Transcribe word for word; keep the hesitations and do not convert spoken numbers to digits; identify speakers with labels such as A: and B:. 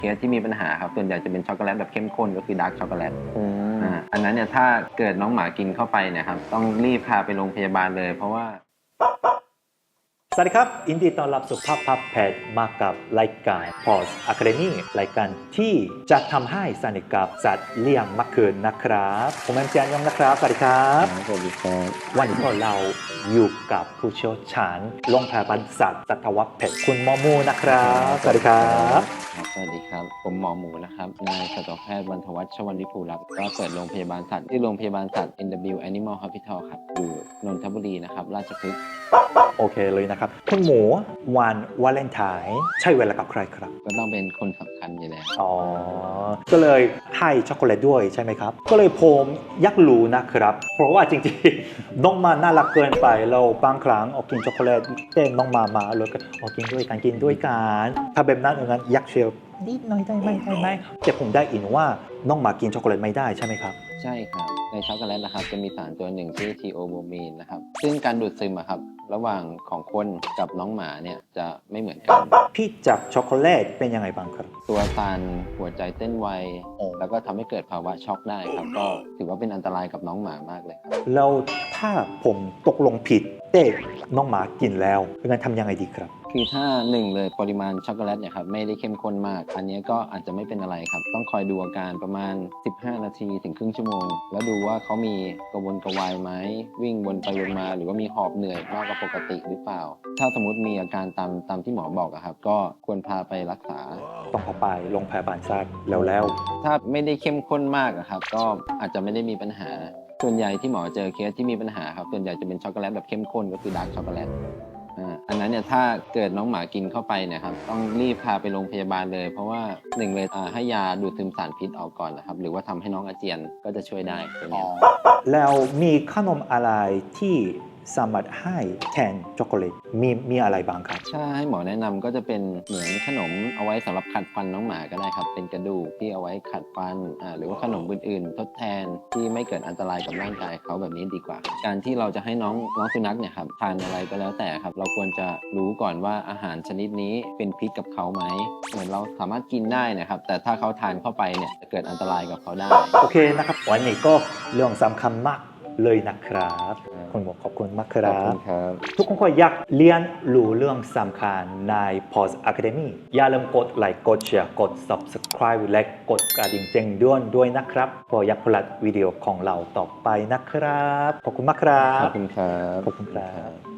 A: เคสที่มีปัญหาครับส่วนใหญ่จะเป็นช็อกโกแลตแบบเข้มข้นก็คือดาร์กช็อกโกแลต
B: อืม
A: อ่าอันนั้นเนี่ยถ้าเกิดน้องหมากินเข้าไปเนี่ยครับต้องรีบพาไปโรงพยาบาลเลยเพราะว่า
B: สวัสดีครับยินดีต้อนรับสู่ภาพพับแพทย์มากับรายการ Pause Academy รายการที่จะทำให้สนิทกับสัตว์เลี้ยงมากขึ้นนะครับผมแอมเจียนยงนะครับสวัสดีครับ
A: สวัสดีครับ
B: วันนี้พวกเราอยู่กับผู้เชี่ยวชาญโรงพยาบาลสัตว์สัตวแพทย์คุณหมอมูนะครับสวัสดีครับ
A: ครับสวัสดีครับผมหมอหมูนะครับนายสัตวแพทย์บรรทวัชชวรรณวิภูรักษ์ก็เปิดโรงพยาบาลสัตว์ที่โรงพยาบาลสัตว์ เอ็น ดับเบิลยู Animal Hospital ครับอยู่นนทบุรีนะครับราชพฤกษ์
B: โอเคเลยนะครับคุณหมูวันวาเลนไทน์ใช่เวลากับใครครับ
A: ก็ต้องเป็นคนสำคัญอยู่แล้ว
B: อ๋อ ก็เลยให้ช็อกโกแลตด้วยใช่ไหมครับ ก็เลยผมอยากรู้นะครับ เพราะว่าจริงๆ น้องมาน่ารักเกินไปเราบางครั้งออกกินช็อกโกแลตเต้นน้องมามาเลยก็ออกกินด้วยกันกินด้วยกันถ้าแบบนั้นอย่างนั้นอยากเชียร์นิดหน่อยได้ไหมได้ไหมแต่ผมได้ยินว่าน้องหมากินช็อกโกแลตไม่ได้ใช่ไหมครับ
A: ใช่ครับในช็อกโกแลตนะครับจะมีสารตัวหนึ่งชื่อทีโอโบมีนนะครับซึ่งการดูดซึมอะครับระหว่างของคนกับน้องหมาเนี่ยจะไม่เหมือนกัน
B: พี่จากช็อกโกแลตเป็นยังไงบ้างครับ
A: ตัวตันหัวใจเต้นไว
B: โอ้
A: แล้วก็ทำให้เกิดภาวะช็อกได้ครับก็ถือว่าเป็นอันตรายกับน้องหมามากเลยครับ
B: แล้วถ้าผมตกลงผิดแต่น้องหมากินแล้วงั้นทำยังไงดีครับ
A: คือถ้าหนึ่งเลยปริมาณช็อกโกแลตเนี่ยครับไม่ได้เข้มข้นมาก อันนี้ก็อาจจะไม่เป็นอะไรครับต้องคอยดูอาการประมาณสิบห้านาทีถึงครึ่งชั่วโมง แล้วดูว่าเขามีกระวนกระวายไหมวิ่งวนไปวนมาหรือว่ามีหอบเหนื่อยมากกว่าปกติหรือเปล่า ถ้าสมมติมีอาการตามตามที่หมอบอกอะครับก็ควรพาไปรักษา
B: ต้องเข้าไปโรงพยาบาลสัตว์แล้วแล้ว
A: ถ้าไม่ได้เข้มข้นมากอะครับก็อาจจะไม่ได้มีปัญหา ส่วนใหญ่ที่หมอเจอเคสที่มีปัญหาครับส่วนใหญ่จะเป็นช็อกโกแลตแบบเข้มข้นก็คือดาร์กช็อกโกแลตอ่าอันนั้นเนี่ยถ้าเกิดน้องหมากินเข้าไปเนี่ยครับต้องรีบพาไปโรงพยาบาลเลย เพราะว่าหนึ่งเลยอ่าให้ยาดูดซึมสารพิษออกก่อนนะครับหรือว่าทำให้น้องอาเจียนก็จะช่วยได้ตัวเนี้ย
B: แล้วมีขนมอะไรที่สามารถให้แทนช็อกโกแลตมีมีอะไรบ้างครับ
A: ถ้าให้หมอแนะนำก็จะเป็นเหมือนขนมเอาไว้สำหรับขัดฟันน้องหมาก็ได้ครับเป็นกระดูกที่เอาไว้ขัดฟันอ่าหรือว่าขนมอื่นๆ ทดแทนที่ไม่เกิดอันตรายกับร่างกายเขาแบบนี้ดีกว่า การที่เราจะให้น้องน้องสุนัขเนี่ยครับทานอะไรก็แล้วแต่ครับเราควรจะรู้ก่อนว่าอาหารชนิดนี้เป็นพิษกับเขาไหมเหมือนเราสามารถกินได้นะครับแต่ถ้าเขาทานเข้าไปเนี่ยจะเกิดอันตรายกับเขาได้
B: โอเคนะครับวันนี้ก็เรื่องสำคัญมากเลยนะครับคุณหมอขอบคุณมากค
A: ขอ
B: รั
A: บคุ
B: บ
A: ณครับ
B: ทุกคนก็อยากเรียนรู้เรื่องสำคัญใน Pause Academy อย่าลืมกดไลค์กดแชร์กด Subscribe และกดกระดิ่งแจ้งเตือนด้วยนะครับเพื่ออยากพลาดวิดีโอของเราต่อไปนะครับขอบคุณมากครั
A: ข
B: บ
A: อบคุณครับ
B: ขอบคุณครับ